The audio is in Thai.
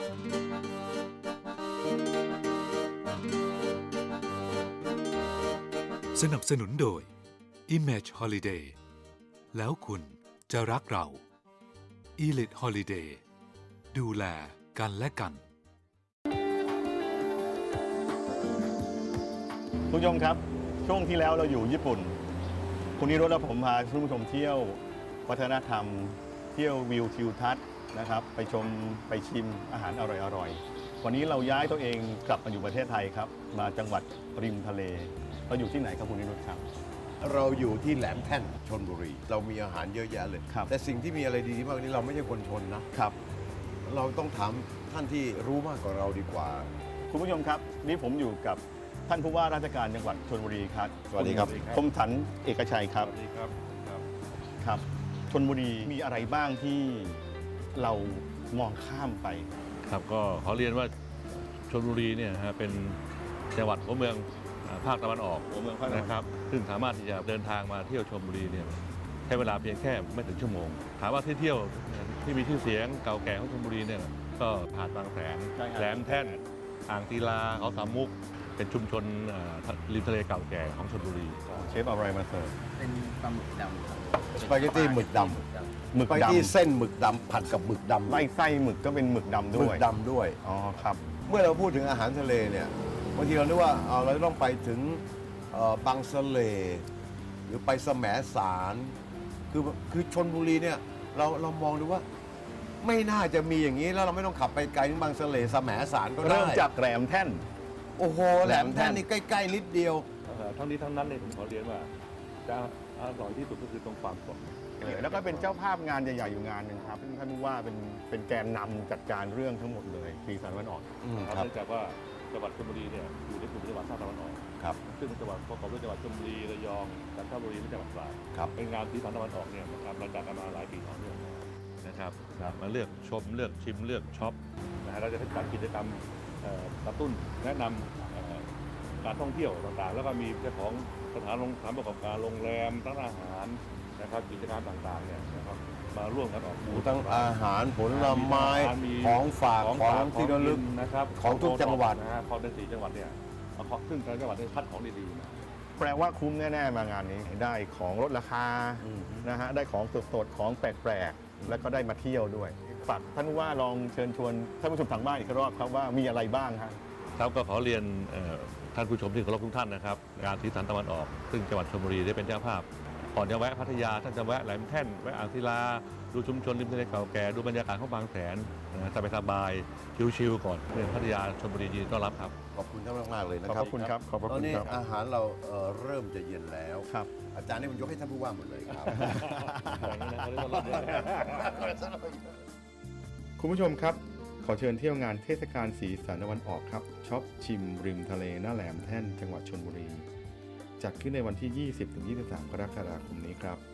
สนับสนุนโดย Image Holiday แล้วคุณจะรักเรา Elite Holiday ดูแลกันและกันคุณผู้ชมครับช่วงที่แล้วเราอยู่ญี่ปุ่นคุณนิโรธและผมพาคุณผู้ชมเที่ยววัฒนธรรมเที่ยววิวทิวทัศน์นะครับไปชมไปชิมอาหารอร่อยๆวันนี้เราย้ายตัวเองกลับมาอยู่ประเทศไทยครับมาจังหวัดริมทะเลเราอยู่ที่ไหนครับคุณนิโรธครับเราอยู่ที่แหลมแท่นชลบุรีเรามีอาหารเยอะแยะเลยครับแต่สิ่งที่มีอะไรดีมากนี้เราไม่ใช่คนชนนะครับเราต้องถามท่านที่รู้มากกว่าเราดีกว่าคุณผู้ชมครับนี่ผมอยู่กับท่านผู้ว่าราชการจังหวัดชลบุรีครับสวัสดีครับคมสันเอกชัยครับสวัสดีครับครับชลบุรีมีอะไรบ้างที่เรามองข้ามไปครับก็ขอเรียนว่าชลบุรีเนี่ยเป็นจังหวัดหัวเมืองภาคตะวันออกนะครับซึ่งสามารถที่จะเดินทางมาเที่ยวชลบุรีเนี่ยใช้เวลาเพียงแค่ไม่ถึงชั่วโมงถามว่าที่เที่ยวที่มีชื่อเสียงเก่าแก่ของชลบุรีเนี่ยก็หาดบางแสนแหลมแท่นอ่างศิลาเขาสามมุกเป็นชุมชนริมทะเลเก่าแก่ของชลบุรีเชฟอะไรมาเสิร์ฟเป็นปลาหมึกดำครับสปาเกตตี้หมึกดำหมึกดำเส้นหมึกดำผัดกับหมึกดำไส้หมึกก็เป็นหมึกดำด้วยหมึกดำด้วยอ๋อครับเมื่อเราพูดถึงอาหารทะเลเนี่ยบางทีเราคิดว่าเราต้องไปถึงบางสะเลหรือไปแสมสารคือชลบุรีเนี่ยเรามองดูว่าไม่น่าจะมีอย่างนี้แล้วเราไม่ต้องขับไปไกลถึงบางสะเลแสมสารก็ได้เริ่มจากแหลมแท่นโอ้โหแหลมแท่นนี่ใกล้ๆนิดเดียวทั้งนี้ทั้งนั้นเลยผมขอเรียนว่าจะอร่อยที่สุดก็คือตรงความสดแล้วก็เป็นเจ้าภาพงานใหญ่ๆอยู่งานหนึ่งครับท่านผู้ว่าเป็นแกนนำจัดการเรื่องทั้งหมดเลยสีสันตะวันออกเนื่องจากว่าจังหวัดชลบุรีเนี่ยอยู่ในกลุ่มจังหวัดภาคตะวันออกครับซึ่งจังหวัดประกอบด้วยจังหวัดชลบุรีระยองจันทบุรีและจังหวัดตราดเป็นงานสีสันตะวันออกเนี่ยนะครับเราจัดกันมาหลายปีต่อเนื่องนะครับมาเลือกชมเลือกชิมเลือกช็อปเราจะจัดกิจกรรมกระตุ้นแนะนำการท่องเที่ยวต่างๆแล้วก็มีเจ้าของสถานประกอบการโรงแรมร้านอาหารนะครับกิจการต่างๆเนี่ยนะครับมาร่วมกันออกบูธทั้งอาหารผลไม้ของฝากของที่ระลึกนะครับของทุกจังหวัดนะฮะของใน4จังหวัดเนี่ยซึ่งทางจังหวัดได้คัดของดีๆมาแปลว่าคุ้มแน่ๆมางานนี้ได้ของลดราคานะฮะได้ของสดๆของแปลกๆแล้วก็ได้มาเที่ยวด้วยฝากท่านผู้ว่าลองเชิญชวนท่านผู้ชมทางบ้านอีกรอบครับว่ามีอะไรบ้างครับก็ขอเรียนท่านผู้ชมที่เคารพทุกท่านนะครับงานสีสันตะวันออกซึ่งจังหวัดชลบุรีได้เป็นเจ้าภาพก่อนจะแวะพัทยาท่านจะแวะแหลมแท่นแวะอ่างศิลาดูชุมชนริมทะเลเก่าแก่ดูบรรยากาศของบางแสนสบายๆชิลๆก่อนเมืองพัทยาชลบุรียินดีต้อนรับครับขอบคุณท่านมากๆเลยนะครับขอบคุณครับขอบคุณครับตอนนี้อาหารเราเริ่มจะเย็นแล้วครับอาจารย์นี่ผมยกให้ท่านผู้ว่าหมดเลยครับคุณผู้ชมครับขอเชิญเที่ยวงานเทศกาลสีสันตะวันออกครับช็อปชิมริมทะเลหน้าแหลมแท่นจังหวัดชลบุรีจัดขึ้นในวันที่ 20-23 กรกฎาคมนี้ครับ